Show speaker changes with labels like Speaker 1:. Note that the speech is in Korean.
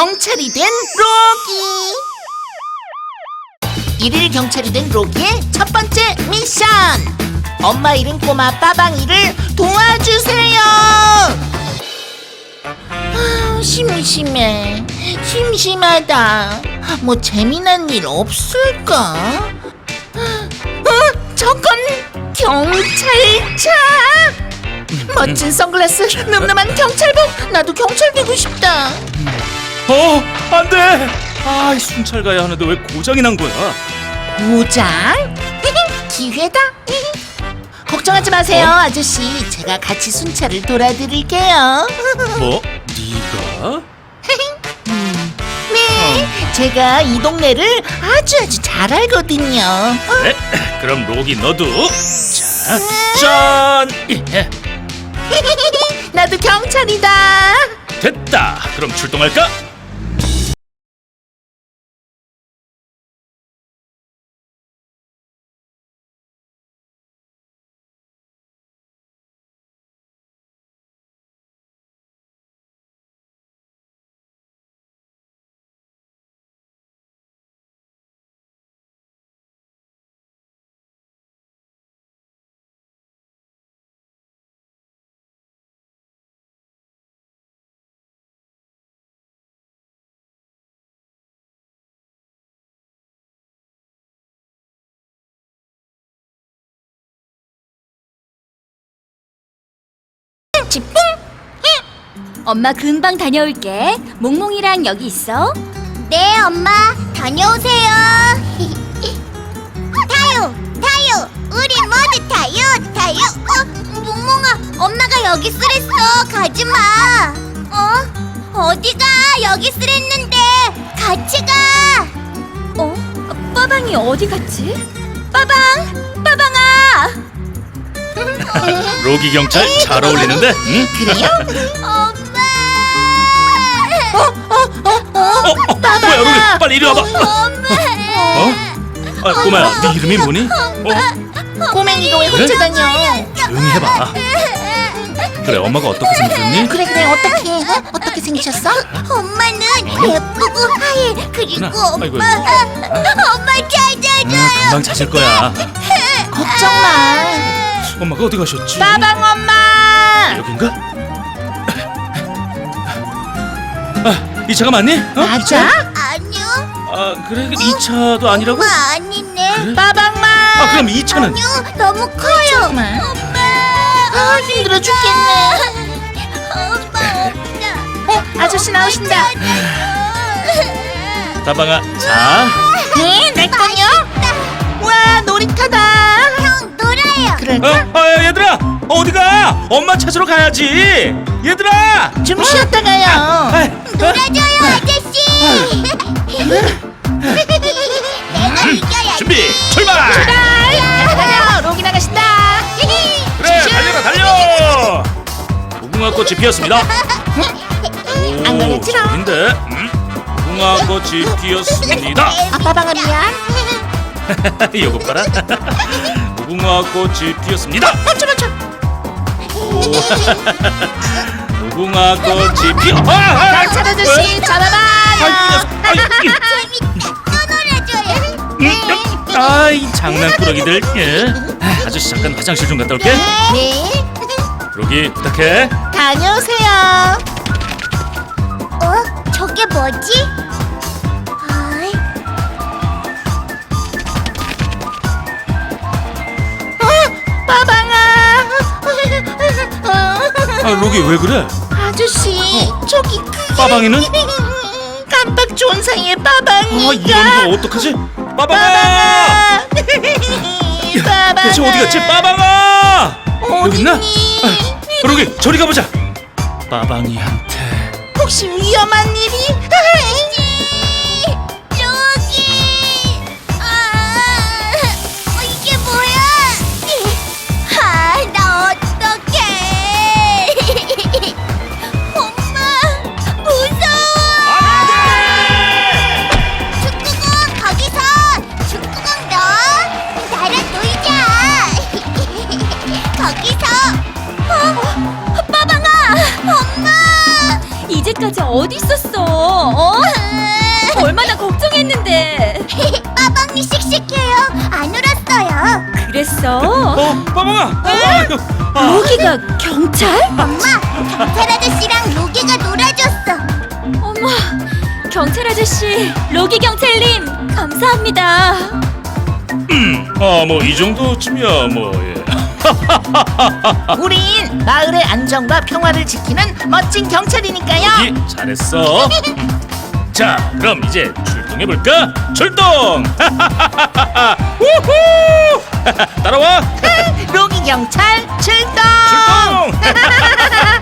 Speaker 1: 경찰이 된 로기. 일일 경찰이 된 로기의 첫 번째 미션. 엄마 잃은 꼬마 빠방이를 도와주세요. 심심해. 심심하다. 뭐 재미난 일 없을까? 저건 경찰차. 멋진 선글라스, 늠름한 경찰복. 나도 경찰 되고 싶다.
Speaker 2: 안 돼! 이 순찰 가야 하는데 왜 고장이 난 거야?
Speaker 1: 고장? 기회다. 걱정하지 마세요, 아저씨. 제가 같이 순찰을 돌아드릴게요.
Speaker 2: 뭐? 네가?
Speaker 1: 네, 제가 이 동네를 아주 잘 알거든요.
Speaker 2: 그래? 그럼 로기 너도 자, 짠! 예,
Speaker 1: 나도 경찰이다.
Speaker 2: 됐다! 그럼 출동할까?
Speaker 1: 지뿡.
Speaker 3: 엄마 금방 다녀올게. 몽몽이랑 여기 있어.
Speaker 4: 네, 엄마. 다녀오세요. 타요. 우리 모두 타요. 몽몽아, 엄마가 여기 쓰랬어. 가지 마. 어디가? 여기 쓰랬는데. 같이 가.
Speaker 3: 빠방이 어디 갔지? 빠방아.
Speaker 2: 로기 경찰 잘 어울리는데? 응?
Speaker 1: 그래요?
Speaker 4: 엄마.
Speaker 2: 뭐야 로기 빨리 이리 와봐. 꼬마야 네 이름이 뭐니?
Speaker 1: 꼬맹이가 왜 혼자 다녀?
Speaker 2: 조용히 해봐. 그래 엄마가 어떻게 생겼니?
Speaker 1: 그래 어떻게 생기셨어?
Speaker 4: 엄마는 예쁘고 하얘. 그리고
Speaker 2: 그렇구나. 아이고,
Speaker 4: 엄마 찾아줘요.
Speaker 2: 금방 찾을 거야.
Speaker 1: 걱정 마.
Speaker 2: 엄마가 어디 가셨지?
Speaker 1: 빠방 엄마.
Speaker 2: 여긴가? 이 차가 맞니?
Speaker 1: 맞아?
Speaker 4: 아니요.
Speaker 2: 그래 이 차도 아니라고?
Speaker 4: 엄마 아니네.
Speaker 2: 그래?
Speaker 1: 빠방마.
Speaker 2: 그럼 이 차는?
Speaker 4: 아니요, 너무 커요.
Speaker 1: 정말.
Speaker 4: 엄마.
Speaker 1: 힘들어 죽겠네.
Speaker 4: 엄마 없다.
Speaker 1: 아저씨 나오신다.
Speaker 2: 다방아 자.
Speaker 1: 네, 내 거요? 와, 놀이터다.
Speaker 4: 형 놀아요.
Speaker 1: 그럴까?
Speaker 2: 얘들아 어디가? 엄마 찾으러 가야지. 얘들아.
Speaker 1: 좀 쉬었다 가요.
Speaker 4: 놀아줘요, 아저씨. 내가 이겨야지.
Speaker 2: 준비 출발.
Speaker 1: 가요. 로기 나가신다.
Speaker 2: 그래 달려. 무궁화 꽃이 피었습니다.
Speaker 1: 안 걸렸지롱.
Speaker 2: 아닌데. 무궁화 꽃이 피었습니다.
Speaker 1: 빠방아 미안.
Speaker 2: 이거 봐라. 무궁화 꽃이 피었습니다.
Speaker 1: 멈춰.
Speaker 2: 무궁화 꽃이 피어.
Speaker 1: 경찰 아저씨 잡아봐요.
Speaker 4: 재밌다. 또 놀아줘요.
Speaker 2: 이 장난꾸러기들. 아저씨 잠깐 화장실 좀 갔다 올게.
Speaker 1: 네.
Speaker 2: 로기 부탁해.
Speaker 1: 다녀오세요.
Speaker 4: 저게 뭐지?
Speaker 1: 빠방아.
Speaker 2: 로기 왜 그래?
Speaker 1: 아저씨 저기
Speaker 2: 빠방이는?
Speaker 1: 깜빡 좋은 사이에 빠방이가.
Speaker 2: 이러는 거 어떡하지? 빠방아!
Speaker 1: 빠방아.
Speaker 2: 대체 어디 갔지? 빠방아! 여기 있나?
Speaker 1: 어딨니?
Speaker 2: 로기 저리 가보자. 빠방이한테.
Speaker 1: 혹시 위험한 일이?
Speaker 4: 여기. 이게 뭐야? 나 어떡해? 엄마 무서워. 축구공 거기서. 축구공 너 나랑 놀자. 거기서. 빠방아. 엄마.
Speaker 3: 이제까지 어제 어디 있었어? 어? 얼마나 걱정했는데.
Speaker 4: 빠방이 씩씩해요. 안 울었어요.
Speaker 3: 그랬어?
Speaker 2: 빠방아.
Speaker 3: 로기가 경찰?
Speaker 4: 엄마, 경찰 아저씨랑 로기가 놀아줬어.
Speaker 3: 어머, 경찰 아저씨, 로기 경찰님, 감사합니다.
Speaker 2: 뭐 이 정도쯤이야 뭐. 예.
Speaker 1: 우린 마을의 안정과 평화를 지키는 멋진 경찰이니까요.
Speaker 2: 로기 잘했어. 자, 그럼 이제 출동해 볼까? 출동! 우후! 따라와.
Speaker 1: 로기 경찰 출동!
Speaker 2: 출동!